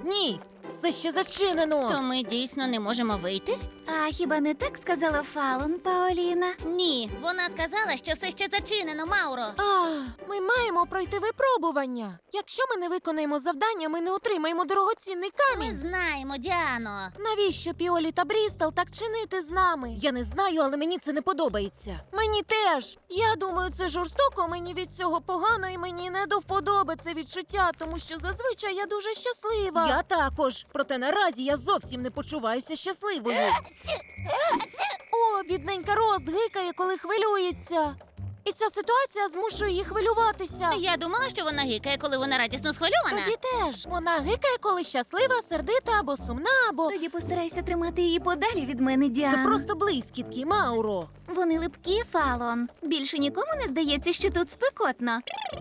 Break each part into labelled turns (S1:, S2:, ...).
S1: Ні, все ще зачинено.
S2: То ми дійсно не можемо вийти?
S3: А хіба не так сказала Фалон, Паоліна?
S2: Ні, вона сказала, що все ще зачинено, Мауро.
S1: Ми маємо пройти випробування. Якщо ми не виконаємо завдання, ми не отримаємо дорогоцінний
S2: Ми
S1: камінь.
S2: знаємо, Діано.
S1: Навіщо Піолі та Брістол так чинити з нами? Я не знаю, але мені це не подобається. Мені теж. Я думаю, це жорстоко, мені від цього погано і мені не до вподоби це відчуття, тому що зазвичай я дуже щаслива. Я також. Проте наразі я зовсім не почуваюся щасливою. О, бідненька Роз гикає, коли хвилюється. І ця ситуація змушує її хвилюватися.
S2: Я думала, що вона гикає, коли вона радісно схвильована.
S1: Тоді теж. Вона гикає, коли щаслива, сердита або сумна, або...
S3: Тоді постарайся тримати її подалі від мене, Діано.
S1: Це просто блискітки, Мауро.
S3: Вони липкі, Фалон. Більше нікому не здається, що тут спекотно.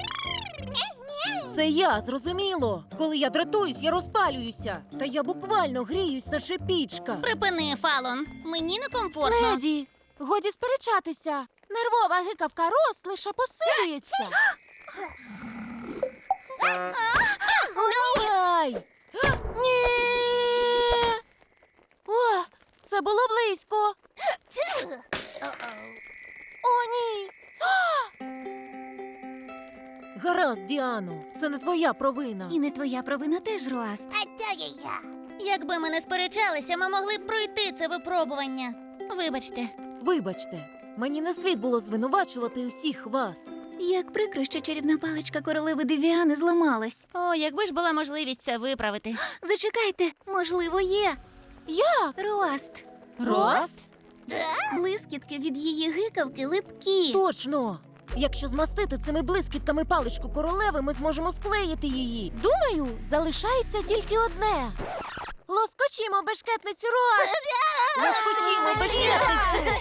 S1: Це я, зрозуміло. Коли я дратуюсь, я розпалююся. Та я буквально гріюсь, наче пічка.
S2: Припини, Фалон. Мені некомфортно.
S1: Леді, годі сперечатися. Нервова гикавка Роз лише посилюється. Ай! Ні! О, це було близько. О, ні! Гаразд, Діано, це не твоя провина.
S3: І не твоя провина теж, Руаст.
S2: Якби ми не сперечалися, ми могли б пройти це випробування. Вибачте.
S1: Вибачте, мені не слід було звинувачувати усіх вас.
S3: Як прикро, що чарівна паличка королеви Девіани зламалась.
S2: О, якби ж була можливість це виправити.
S3: Зачекайте, можливо, є.
S1: Як?
S3: Руаст.
S1: Рост?
S3: Блискітки від її гикавки липкі.
S1: Точно! Якщо змастити цими блискітками паличку королеви, ми зможемо склеїти її. Думаю, залишається тільки одне. Лоскочімо бешкетницю Роз! Лоскочімо бешкетницю!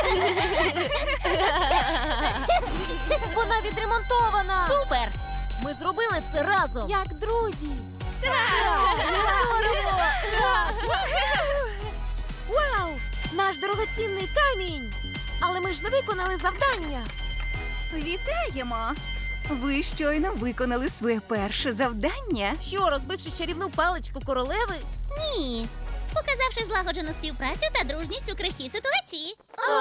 S1: Вона відремонтована!
S2: Супер!
S1: Ми зробили це разом! Як друзі! Вау! Наш дорогоцінний камінь! Але ми ж не виконали завдання!
S3: Вітаємо! Ви щойно виконали своє перше завдання.
S1: Що, розбивши чарівну паличку королеви?
S2: Ні. Показавши злагоджену співпрацю та дружність у крихкій ситуації.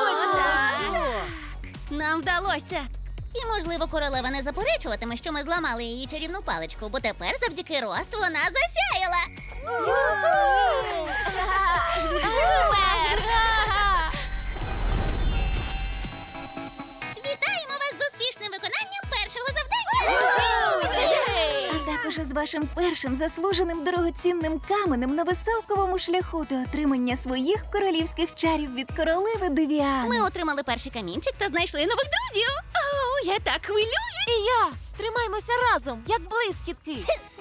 S2: Нам вдалося. І, можливо, королева не заперечуватиме, що ми зламали її чарівну паличку, бо тепер завдяки Росту вона засяяла. Супер! Вітаємо вас з успішним виконанням першого завдання!
S3: А також із вашим першим заслуженим дорогоцінним каменем на веселковому шляху до отримання своїх королівських чарів від королеви Девіани.
S2: Ми отримали перший камінчик та знайшли нових друзів. О, я так хвилююсь!
S1: І я! Тримаймося разом, як блискітки!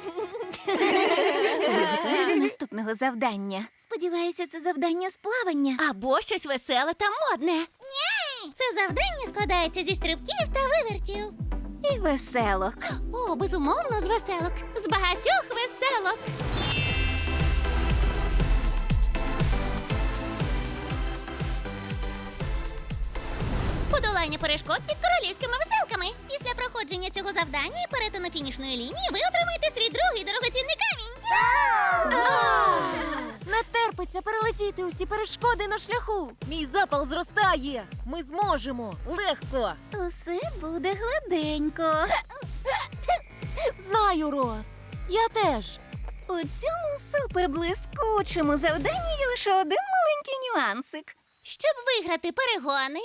S3: Готові до наступного завдання. Сподіваюся, це завдання з плавання.
S2: Або щось веселе та модне. Ні! Це завдання складається зі стрибків та вивертів.
S3: І веселок.
S2: О, безумовно, з веселок. З багатьох веселок. Подолання перешкод під королівськими веселками. Після проходження цього завдання і перетину фінішної лінії ви отримаєте свій другий дорогоцінний камінь.
S1: Не терпиться перелетіти усі перешкоди на шляху. Мій запал зростає. Ми зможемо. Легко.
S3: Усе буде гладенько.
S1: Знаю, Роз. Я теж.
S3: У цьому суперблискучому завданні є лише один маленький нюансик.
S2: Щоб виграти перегони,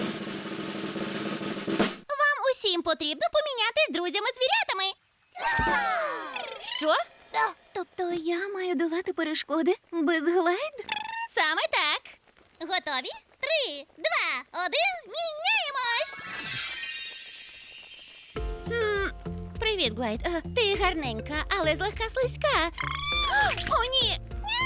S2: вам усім потрібно помінятись друзями-звірятами. Що?
S3: Тобто я маю долати перешкоди без глайд?
S2: Саме так. Готові? 3, 2, 1, міняємось! Привіт, Глайд. Ти гарненька, але злегка слизька. О, ні!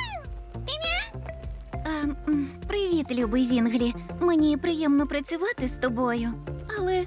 S3: Привіт, любий Вінглі. Мені приємно працювати з тобою. Але.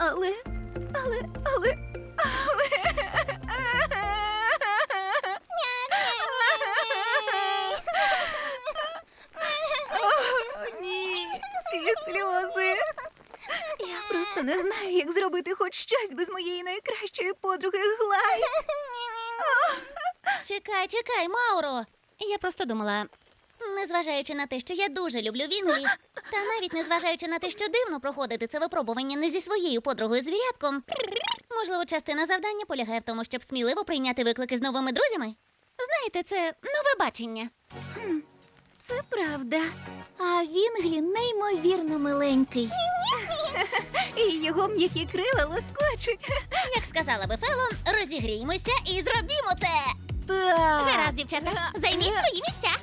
S3: Ні, ці сльози. Я просто не знаю, як зробити хоч щось без моєї найкращої подруги Глайд.
S2: Чекай, Мауро. Я просто думала, незважаючи на те, що я дуже люблю Вінглі, та навіть незважаючи на те, що дивно проходити це випробування не зі своєю подругою звірятком, можливо, частина завдання полягає в тому, щоб сміливо прийняти виклики з новими друзями. Знаєте, це нове бачення.
S3: Це правда. А Вінглі неймовірно миленький. І його м'які крила лоскочуть.
S2: Як сказала би Фелон, розігріймося і зробімо це!
S1: Так.
S2: Гаразд, дівчата, займіть свої місця.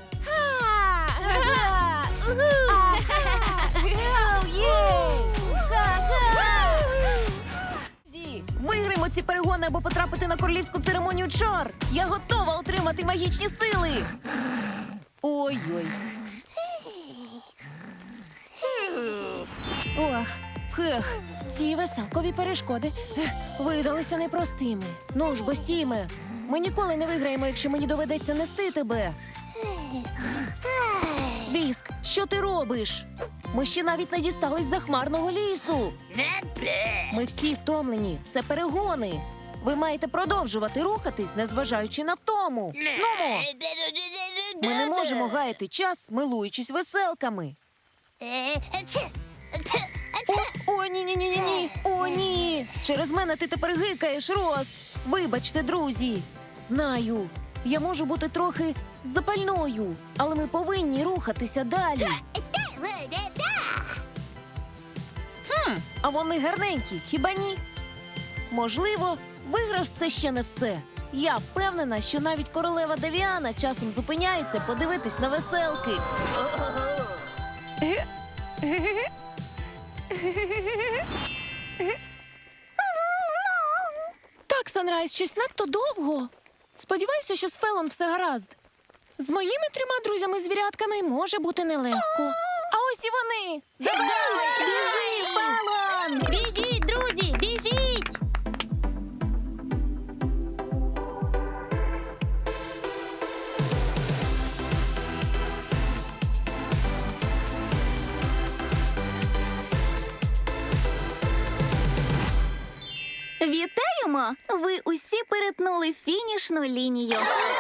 S1: Виграємо ці перегони або потрапити на королівську церемонію чар. Я готова отримати магічні сили. Ой-ой. Ох, ці веселкові перешкоди видалися непростими. Ну ж, бо стійме. Ми ніколи не виграємо, якщо мені доведеться нести тебе. Віск, що ти робиш? Ми ще навіть не дістались захмарного лісу. Ми всі втомлені. Це перегони. Ви маєте продовжувати рухатись, незважаючи на втому. Нумо! Ми не можемо гаяти час, милуючись веселками. О, ні. О, ні. Через мене ти тепер гикаєш, Рос. Вибачте, друзі. Знаю, я можу бути трохи запальною, але ми повинні рухатися далі. А вони гарненькі, хіба ні? Можливо, виграш – це ще не все. Я впевнена, що навіть королева Девіана часом зупиняється подивитись на веселки. Так, Санрайз, щось надто довго. Сподіваюся, що з Фелон все гаразд. З моїми 3 друзями-звірятками може бути нелегко. А ось і вони!
S3: Біжи, Фелон!
S2: Біжіть, друзі, біжіть!
S3: Вітаємо! Ви усі перетнули фінішну лінію.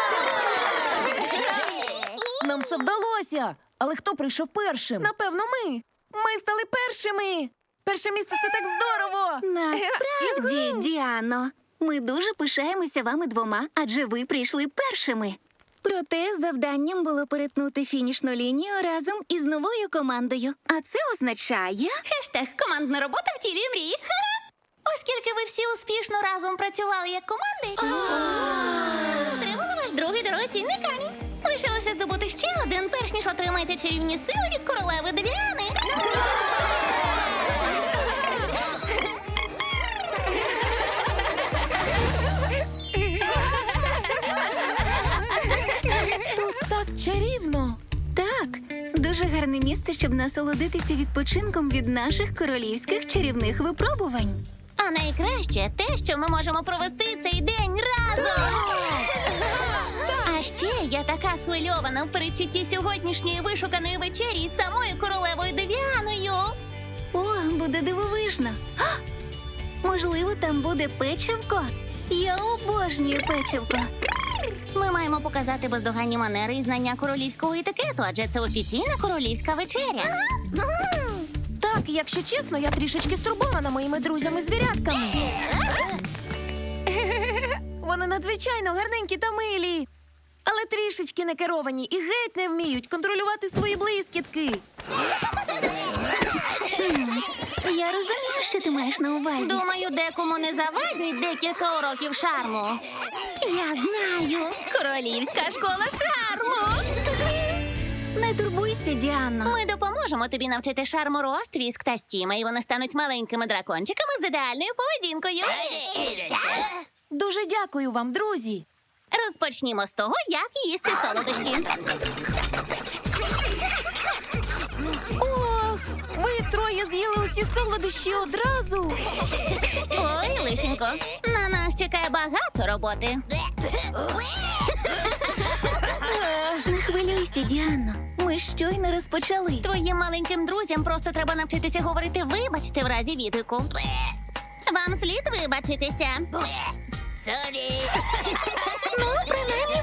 S1: Нам це вдалося! Але хто прийшов першим? Напевно, ми! Ми стали першими! Перше місце – це так здорово!
S3: Насправді, Діано, ми дуже пишаємося вами 2, адже ви прийшли першими. Проте завданням було перетнути фінішну лінію разом із новою командою. А це означає...
S2: Хештег «Командна робота втілює мрії». Оскільки ви всі успішно разом працювали як команди, отримали ваш другий дорогоцінний камінь. Лишилося здобути ще один, перш ніж отримаєте чарівні сили від королеви Девіани.
S1: Тут так чарівно!
S3: Так, дуже гарне місце, щоб насолодитися відпочинком від наших королівських чарівних випробувань.
S2: А найкраще те, що ми можемо провести цей день разом. А ще я така схвильована в передчутті сьогоднішньої вишуканої вечері із самою королевою Девіаною.
S3: О, буде дивовижно. А! Можливо, там буде печивко? Я обожнюю печивко.
S2: Ми маємо показати бездоганні манери і знання королівського етикету, адже це офіційна королівська вечеря.
S1: Так, якщо чесно, я трішечки стурбована моїми друзями-звірятками. Вони надзвичайно гарненькі та милі, але трішечки не керовані і геть не вміють контролювати свої блискітки.
S3: Я розумію, що ти маєш на увазі.
S2: Думаю, декому не завадить декілька уроків шарму. Я знаю. Королівська школа шарму.
S3: Не турбуйся, Діано.
S2: Ми допоможемо тобі навчити шарму Роз, Твіск та Стіма, і вони стануть маленькими дракончиками з ідеальною поведінкою.
S1: Дуже дякую вам, друзі.
S2: Розпочнімо з того, як їсти солодощі.
S1: Ох, ви 3 з'їли усі солодощі одразу.
S2: Ой, лишенько, на нас чекає багато роботи.
S3: Не хвилюйся, Діано. Ми щойно розпочали.
S2: Твоїм маленьким друзям просто треба навчитися говорити «вибачте» в разі відгуку. Вам слід вибачитися.
S3: Ну, принаймні,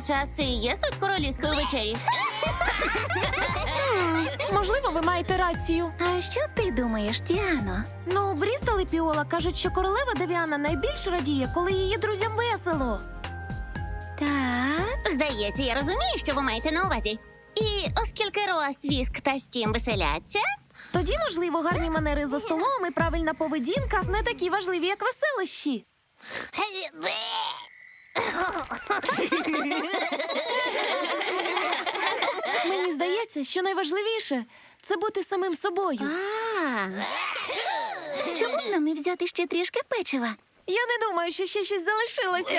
S2: час це і є суть королівської вечері.
S1: Можливо, ви маєте рацію.
S3: А що ти думаєш, Діано?
S1: Ну, Брістол і Піола кажуть, що королева Девіана найбільш радіє, коли її друзям весело.
S3: Так.
S2: Здається, я розумію, що ви маєте на увазі. І оскільки Рост, Віск та Стім веселяться,
S1: Тоді, можливо, гарні манери за столом і правильна поведінка не такі важливі, як веселощі. Мені здається, що найважливіше це бути самим собою.
S3: Чому б нам не взяти ще трішки печива?
S1: Я не думаю, що ще щось залишилося.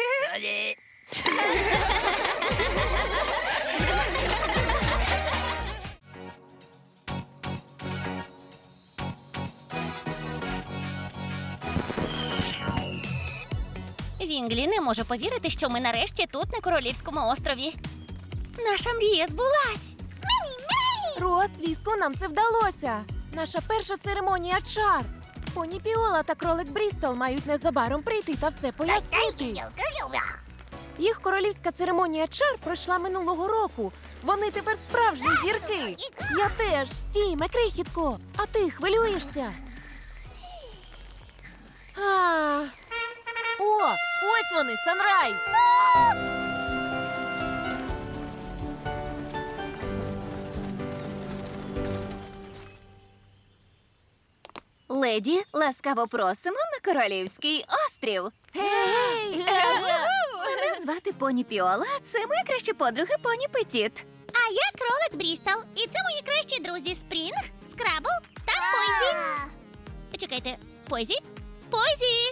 S2: Вінглі не може повірити, що ми нарешті тут, на Королівському острові. Наша мрія збулась.
S1: Рост, Віску, нам це вдалося. Наша перша церемонія чар. Поні Піола та кролик Брістол мають незабаром прийти та все пояснити. Їх королівська церемонія чар пройшла минулого року. Вони тепер справжні зірки. Я теж. Стійме, крихітко. А ти хвилюєшся? О, ось вони, Санрайз.
S3: Леді, ласкаво просимо на Королівський острів.
S1: Гей!
S3: Мене звати Поні Піола, а це моя краща подруга Поні Петіт.
S2: А я кролик Брістол. І це мої кращі друзі Спрінг, Скрабл та Позі. Чекайте, Позі? Позі!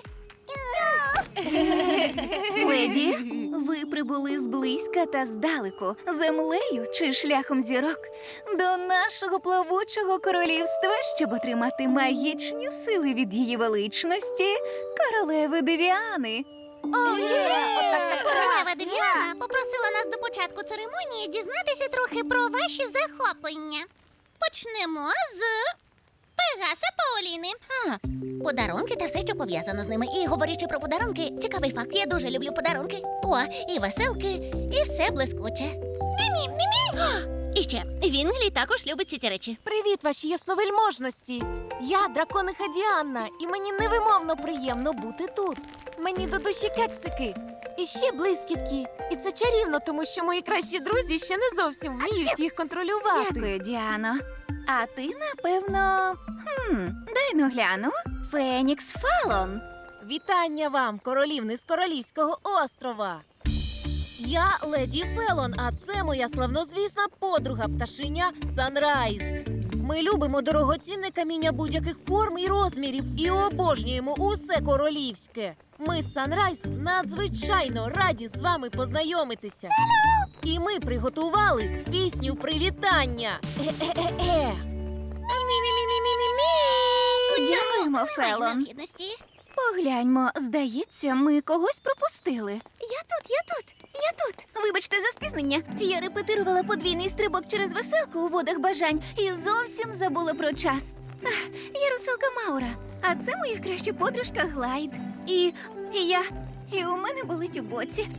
S3: Леді, ви прибули зблизька та здалеку, землею чи шляхом зірок, до нашого плавучого королівства, щоб отримати магічні сили від її величності, королеви Девіани.
S2: Королева Девіана попросила нас до початку церемонії дізнатися трохи про ваші захоплення. Почнемо з Пегаса Паоліни. Подарунки та все, що пов'язано з ними. І говорячи про подарунки, цікавий факт, я дуже люблю подарунки. О, і веселки, і все блискуче. Мімі. І ще, Вінглі також любить ці речі.
S1: Привіт, ваші ясновельможності! Я дракониха Діанна, і мені невимовно приємно бути тут. Мені до душі кексики. І ще блискітки. І це чарівно, тому що мої кращі друзі ще не зовсім вміють їх контролювати.
S3: Дякую, Діано. А ти, напевно, дай ну гляну. Фенікс Фалон.
S1: Вітання вам, королівни з Королівського острова. Я леді Фелон, а це моя славнозвісна подруга пташиня Санрайз. Ми любимо дорогоцінне каміння будь-яких форм і розмірів і обожнюємо усе королівське. Ми з Санрайз надзвичайно раді з вами познайомитися. І ми приготували пісню привітання. Е-е-е-е.
S3: Дякуємо, Фелон.
S2: Необхідності.
S3: Погляньмо, здається, ми когось пропустили. Я тут. Вибачте за спізнення. Я репетирувала подвійний стрибок через веселку у водах бажань і зовсім забула про час. Я русалка Маура, а це моя краща подружка Глайд. І у мене болить у боці.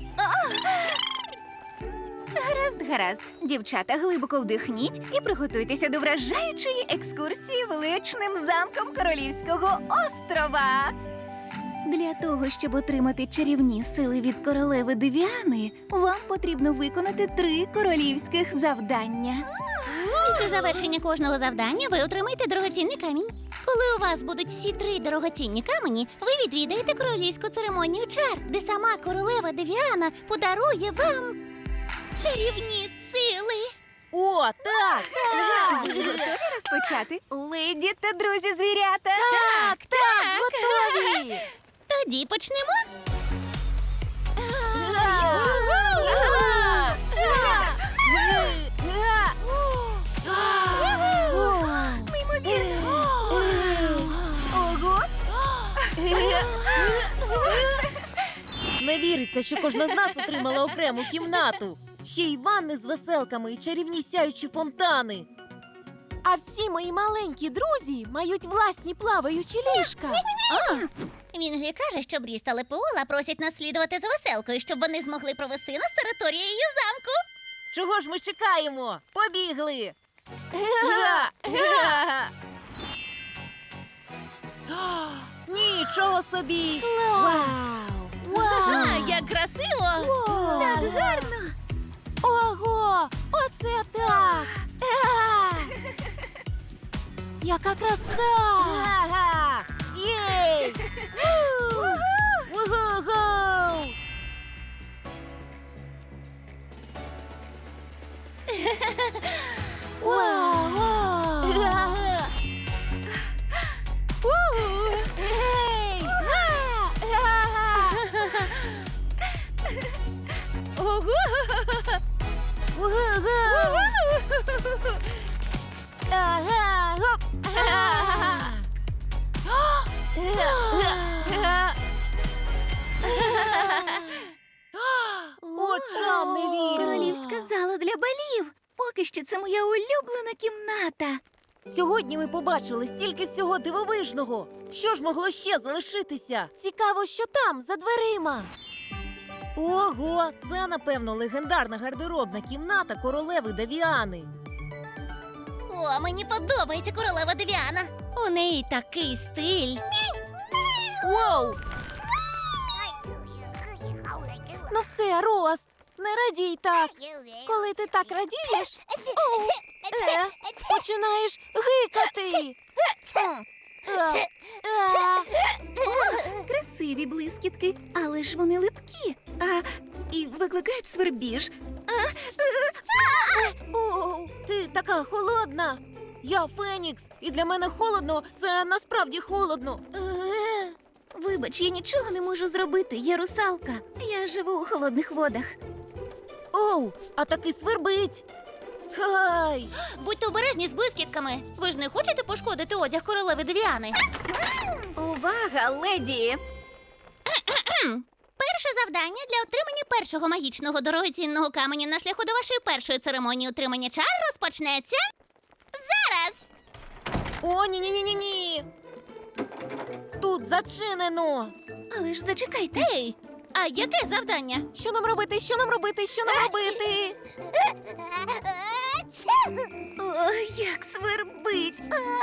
S3: Гаразд. Дівчата, глибоко вдихніть і приготуйтеся до вражаючої екскурсії величним замком Королівського острова. Для того, щоб отримати чарівні сили від королеви Девіани, вам потрібно виконати 3 королівських завдання.
S2: Після завершення кожного завдання ви отримаєте дорогоцінний камінь. Коли у вас будуть всі 3 дорогоцінні камені, ви відвідаєте королівську церемонію чар, де сама королева Девіана подарує вам чарівні сили.
S1: О, так!
S3: Ви готові розпочати? Леді та друзі звірята!
S1: Так, готові!
S2: Тоді почнемо.
S3: Ого!
S1: Не віриться, що кожна з нас отримала окрему кімнату. Ще й ванни з веселками і чарівні сяючі фонтани. А всі мої маленькі друзі мають власні плаваючі ліжка.
S2: О, Вінглі каже, що Брі та Лепеола просять нас слідувати за веселкою, щоб вони змогли провести нас територією замку.
S1: Чого ж ми чекаємо? Побігли! Нічого собі! Вау!
S2: Як красиво!
S3: Так гарно!
S1: Ого! Оце так! Яка краса! Ага! Єй! Ву-ху-ху! Вау! Ей!
S2: Ого!
S1: Ву-ху-ху! Ага! Гоп! Очам не вірю!
S3: Королівська зала для балів. Поки що це моя улюблена кімната.
S1: Сьогодні ми побачили стільки всього дивовижного. Що ж могло ще залишитися? Цікаво, що там, за дверима. Ого, це, напевно, легендарна гардеробна кімната королеви Девіани.
S2: О, мені подобається королева Девіана. У неї такий стиль.
S1: Воу! Ну все, Рост, не радій так. Коли ти так радієш, починаєш гикати.
S3: Красиві блискітки, але ж вони липкі. І викликають свербіж.
S1: Оу, ти така холодна. Я Фенікс, і для мене холодно, це насправді холодно.
S3: Вибач, я нічого не можу зробити. Я русалка. Я живу у холодних водах.
S1: Оу, а таки свербить. Хай!
S2: Будьте обережні з блискітками. Ви ж не хочете пошкодити одяг королеви Девіани?
S3: Увага, леді!
S2: Перше завдання для отримання першого магічного дорогоцінного каменю на шляху до вашої першої церемонії отримання чар розпочнеться зараз.
S1: О, ні-ні-ні-ні-ні! Тут зачинено.
S3: Але ж зачекайте.
S2: Ей, а яке завдання?
S1: Що нам робити? Що нам робити? Що нам робити?
S3: Ой, як свербить!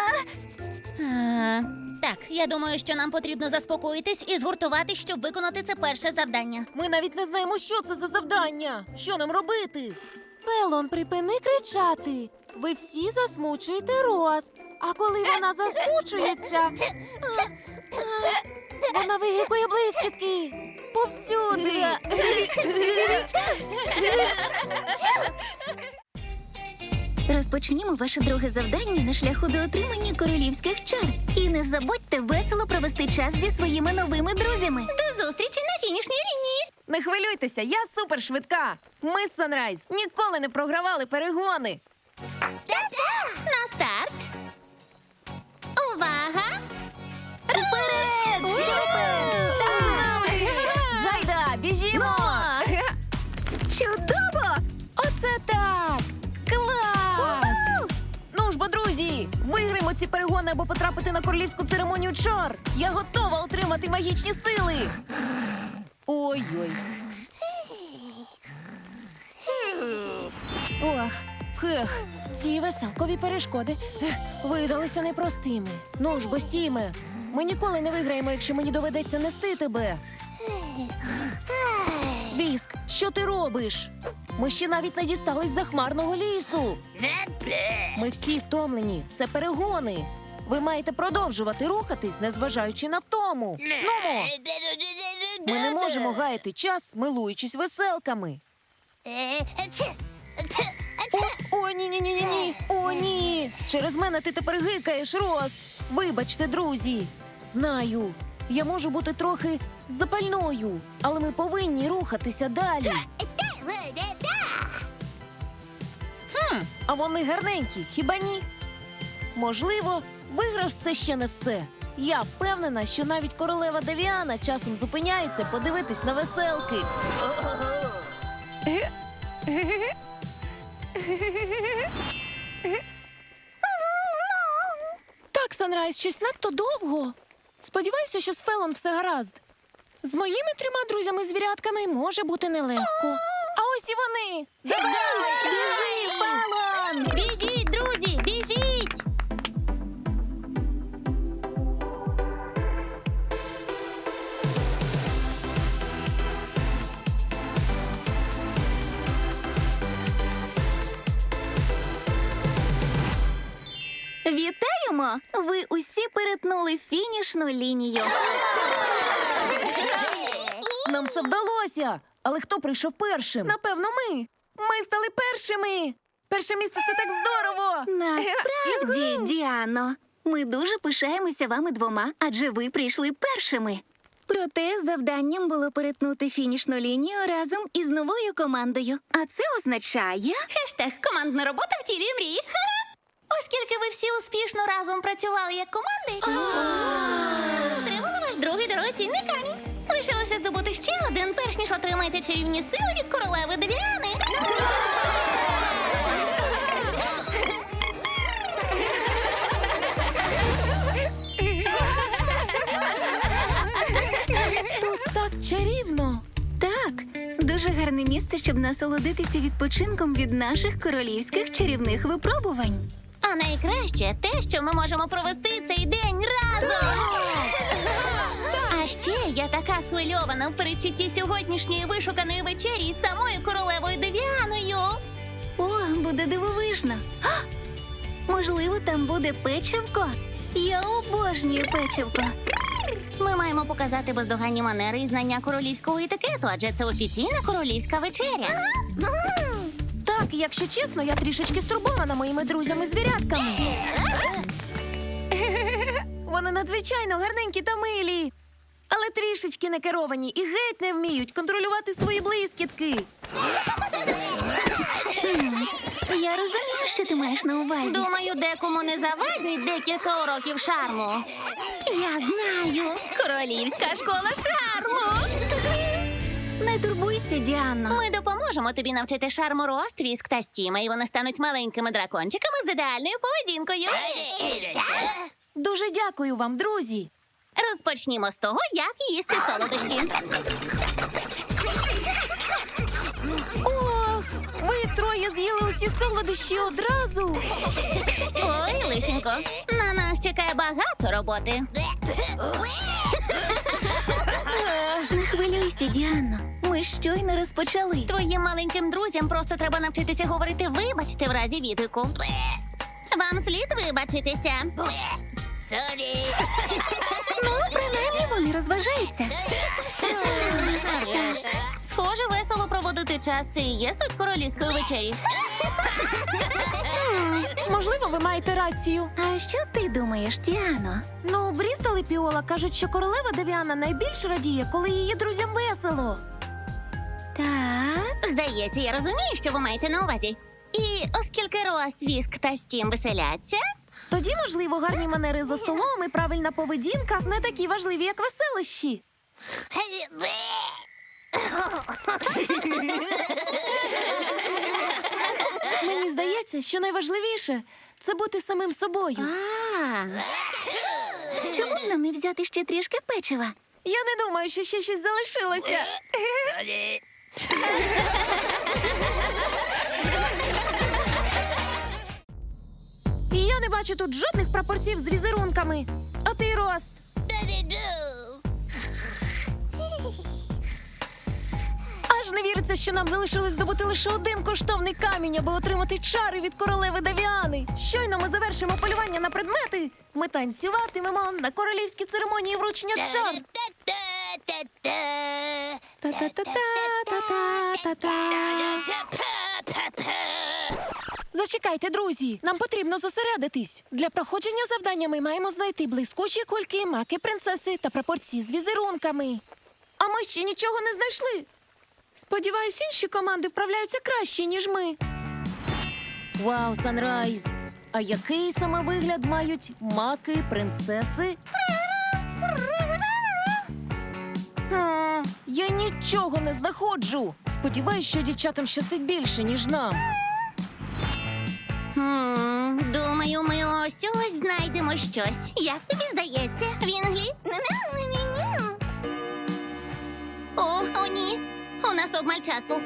S2: Так, я думаю, що нам потрібно заспокоїтись і згуртуватись, щоб виконати це перше завдання.
S1: Ми навіть не знаємо, що це за завдання. Що нам робити? Фелон, припини кричати. Ви всі засмучуєте Рост. А коли вона засмучується, вона вигикує блискітки повсюди.
S3: Розпочнімо ваше друге завдання на шляху до отримання королівських чар. І не забудьте весело провести час зі своїми новими друзями.
S2: До зустрічі на фінішній лінії.
S1: Не хвилюйтеся, я супершвидка. Ми з Санрайз ніколи не програвали перегони.
S2: На старт. Увага!
S3: Вперед!
S1: Гайда, біжімо!
S3: Чудово!
S1: Оце так! Клас! Ну ж бо, друзі, виграємо ці перегони або потрапити на королівську церемонію чар. Я готова отримати магічні сили. Ой-ой. Ох, хех, ці веселкові перешкоди видалися непростими. Ну ж бо, Стіме, ми ніколи не виграємо, якщо мені доведеться нести тебе. Віск, що ти робиш? Ми ще навіть не дістались захмарного лісу. Ми всі втомлені. Це перегони. Ви маєте продовжувати рухатись, незважаючи на втому. Нумо! Ми не можемо гаяти час, милуючись веселками. О, ні-ні-ні-ні-ні! О, ні! Через мене ти тепер гикаєш, Рос! Вибачте, друзі! Знаю, я можу бути трохи запальною, але ми повинні рухатися далі. А вони гарненькі, хіба ні? Можливо, виграш – це ще не все. Я впевнена, що навіть королева Девіана часом зупиняється подивитись на веселки. Санрайз, щось надто довго. Сподіваюся, що з Фелон все гаразд. З моїми 3 друзями-звірятками може бути нелегко. А ось і вони!
S3: Біжи, Фелон!
S2: Біжіть, друзі, біжіть!
S3: Вітаємо! Ви усі перетнули фінішну лінію.
S1: Нам це вдалося! Але хто прийшов першим? Напевно, ми. Ми стали першими! Перше місце – це так здорово!
S3: Насправді, Діано, ми дуже пишаємося вами 2, адже ви прийшли першими. Проте завданням було перетнути фінішну лінію разом із новою командою. А це означає...
S2: Хештег «Командна робота втілює мрії». Оскільки ви всі успішно разом працювали як команди, отримали ваш другий дорогоцінний камінь. Лишилося здобути ще один, перш ніж отримаєте чарівні сили від королеви Девіани.
S1: Тут так чарівно!
S3: Так, дуже гарне місце, щоб насолодитися відпочинком від наших королівських чарівних випробувань.
S2: А найкраще те, що ми можемо провести цей день разом. А ще я така схвильована в передчутті сьогоднішньої вишуканої вечері із самою королевою Девіаною.
S3: О, буде дивовижно. А! Можливо, там буде печивко? Я обожнюю печивко.
S2: Ми маємо показати бездоганні манери і знання королівського етикету, адже це офіційна королівська вечеря.
S1: Так, якщо чесно, я трішечки стурбована моїми друзями-звірятками. Вони надзвичайно гарненькі та милі, але трішечки не керовані і геть не вміють контролювати свої блискітки.
S3: Я розумію, що ти маєш на увазі.
S2: Думаю, декому не завадить декілька уроків шарму. Я знаю. Королівська школа шарму.
S3: Не турбуйся, Діано.
S2: Ми допоможемо тобі навчити шарму Рост, Віск та Стіма, і вони стануть маленькими дракончиками з ідеальною поведінкою.
S1: Дуже дякую вам, друзі.
S2: Розпочнімо з того, як їсти солодощі.
S1: Ох, ви 3 з'їли усі солодощі одразу.
S2: Ой, лишенько, на нас чекає багато роботи.
S3: Не хвилюйся, Діано. Ми щойно розпочали.
S2: Твоїм маленьким друзям просто треба навчитися говорити «вибачте» в разі відгуку. Вам слід вибачитися.
S3: Ну, принаймні вони розважаються.
S2: Схоже, весело проводити час – це і є суть королівської вечері.
S1: Можливо, ви маєте рацію.
S3: А що ти думаєш, Діано?
S1: Ну, Брістол і Піола кажуть, що королева Девіана найбільш радіє, коли її друзям весело.
S3: Так.
S2: Здається, я розумію, що ви маєте на увазі. І оскільки Рост, Віск та Стім веселяться,
S1: Тоді, можливо, гарні манери за столом і правильна поведінка не такі важливі, як веселощі. Мені здається, що найважливіше – це бути самим собою.
S3: Чому б нам не взяти ще трішки печива?
S1: Я не думаю, що ще щось залишилося. І я не бачу тут жодних прапорців з візерунками. А ти, Рост? Аж не віриться, що нам залишилось здобути лише один коштовний камінь, аби отримати чари від королеви Девіани. Щойно ми завершимо полювання на предмети. Ми танцюватимемо на королівській церемонії вручення чар. Зачекайте, друзі. Нам потрібно зосередитись. Для проходження завдання ми маємо знайти блискучі кульки, маки принцеси та прапорці з візерунками. А ми ще нічого не знайшли. Сподіваюсь, інші команди вправляються краще, ніж ми. Вау, Санрайз! А який саме вигляд мають маки принцеси? Я нічого не знаходжу. Сподіваюсь, що дівчатам щастить більше, ніж нам.
S2: Думаю, Думаю, ми ось знайдемо щось. Як тобі здається, Вінглі? О, ні. У нас обмаль часу.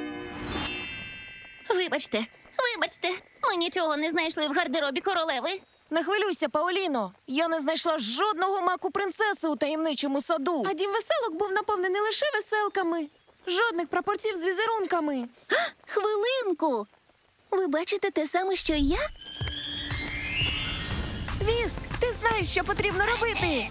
S2: Вибачте, ми нічого не знайшли в гардеробі королеви.
S1: Не хвилюйся, Паоліно. Я не знайшла жодного маку принцеси у таємничому саду. А дім веселок був наповнений лише веселками. Жодних прапорців з візерунками.
S3: Хвилинку! Ви бачите те саме, що й я?
S1: Віск, ти знаєш, що потрібно робити.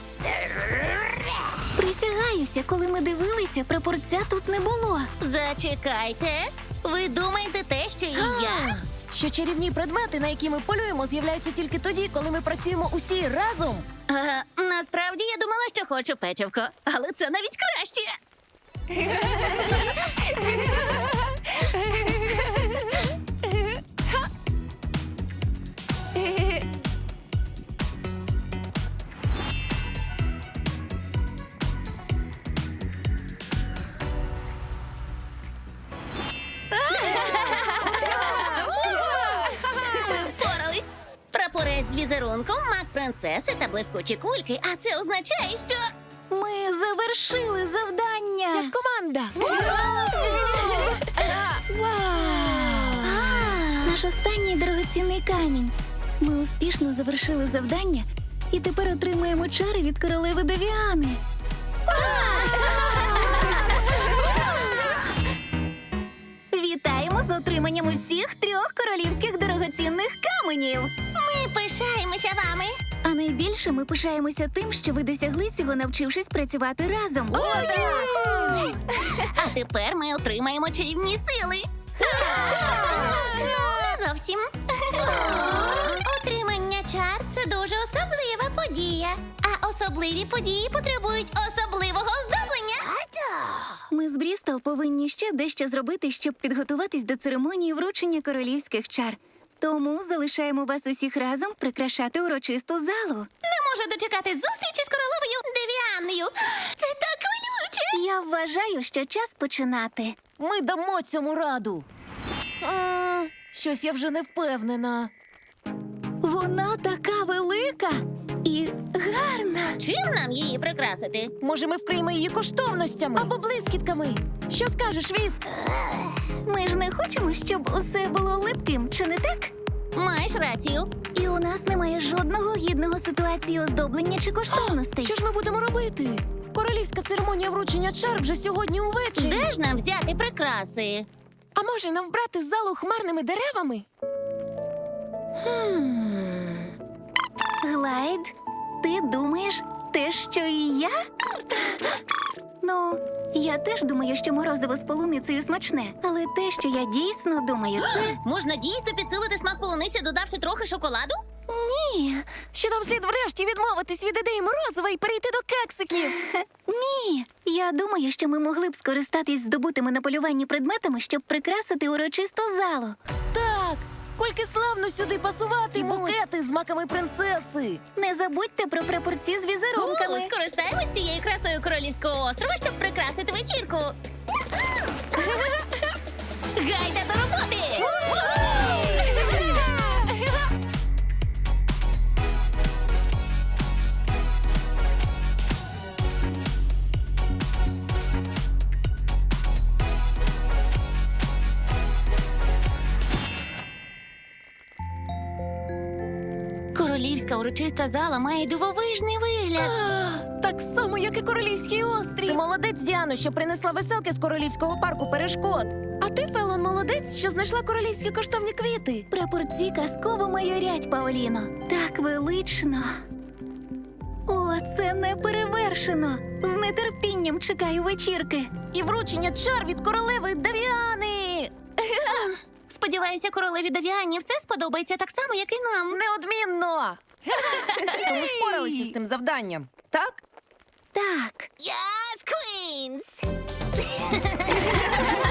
S3: Присягаюся, коли ми дивилися, прапорця тут не було.
S2: Зачекайте. Ви думаєте те, що і я?
S1: Що чарівні предмети, на які ми полюємо, з'являються тільки тоді, коли ми працюємо усі разом.
S2: Насправді я думала, що хочу печивко, але це навіть краще. Впорались. Прапорець з візерунком, мак принцеси та блискучі кульки. А це означає, що...
S3: Ми завершили завдання.
S1: Як команда.
S3: Наш останній дорогоцінний камінь. Ми успішно завершили завдання і тепер отримуємо чари від королеви Девіани. Вітаємо з отриманням усіх 3 королівських дорогоцінних каменів.
S2: Ми пишаємося вами.
S3: А найбільше ми пишаємося тим, що ви досягли цього, навчившись працювати разом.
S2: А тепер ми отримаємо чарівні сили. Не зовсім. Отримання чар – це дуже особлива подія. А особливі події потребують особливого оздоблення.
S3: Ми з Брістол повинні ще дещо зробити, щоб підготуватись до церемонії вручення королівських чар. Тому залишаємо вас усіх разом прикрашати урочисту залу.
S2: Не можу дочекати зустрічі з королевою Девіанною. Це так хвилююче.
S3: Я вважаю, що час починати.
S1: Ми дамо цьому раду. Щось я вже не впевнена.
S3: Вона така велика і гарна.
S2: Чим нам її прикрасити?
S1: Може, ми вкриємо її коштовностями? Або блискітками. Що скажеш, Віск?
S3: Ми ж не хочемо, щоб усе було липким, чи не так?
S2: Маєш рацію.
S3: І у нас немає жодного гідного ситуації оздоблення чи коштовностей.
S1: Що ж ми будемо робити? Королівська церемонія вручення чар вже сьогодні увечері.
S2: Де ж нам взяти прикраси?
S1: А може нам вбрати залу хмарними деревами?
S3: Глайд, ти думаєш те, що і я? Ну, я теж думаю, що морозиво з полуницею смачне. Але те, що я дійсно думаю, це...
S2: Можна дійсно підсилити смак полуниці, додавши трохи шоколаду?
S3: Ні,
S1: Що нам слід врешті відмовитись від ідеї морозива і перейти до кексиків?
S3: ні. Я думаю, що ми могли б скористатись здобутими на полюванні предметами, щоб прикрасити урочисту залу.
S1: Так, кульки славно сюди пасуватимуть. І букети з маками принцеси.
S3: Не забудьте про прапорці з візерунками.
S2: Скористаємось цією красою королівського острова, щоб прикрасити вечірку. Гайда до роботи! Королівська урочиста зала має дивовижний вигляд.
S1: Так само, як і Королівський острів. Ти молодець, Діано, що принесла веселки з Королівського парку перешкод. А ти, Фелон, молодець, що знайшла королівські коштовні квіти.
S3: Прапорці казково майорять, Паоліно. Так велично. О, це неперевершено. З нетерпінням чекаю вечірки.
S1: І вручення чар від королеви Девіани.
S2: Сподіваюся, королеві Девіані все сподобається так само, як і нам.
S1: Неодмінно. Ми впоралися з цим завданням, так?
S3: Так.
S2: Yes, Queens!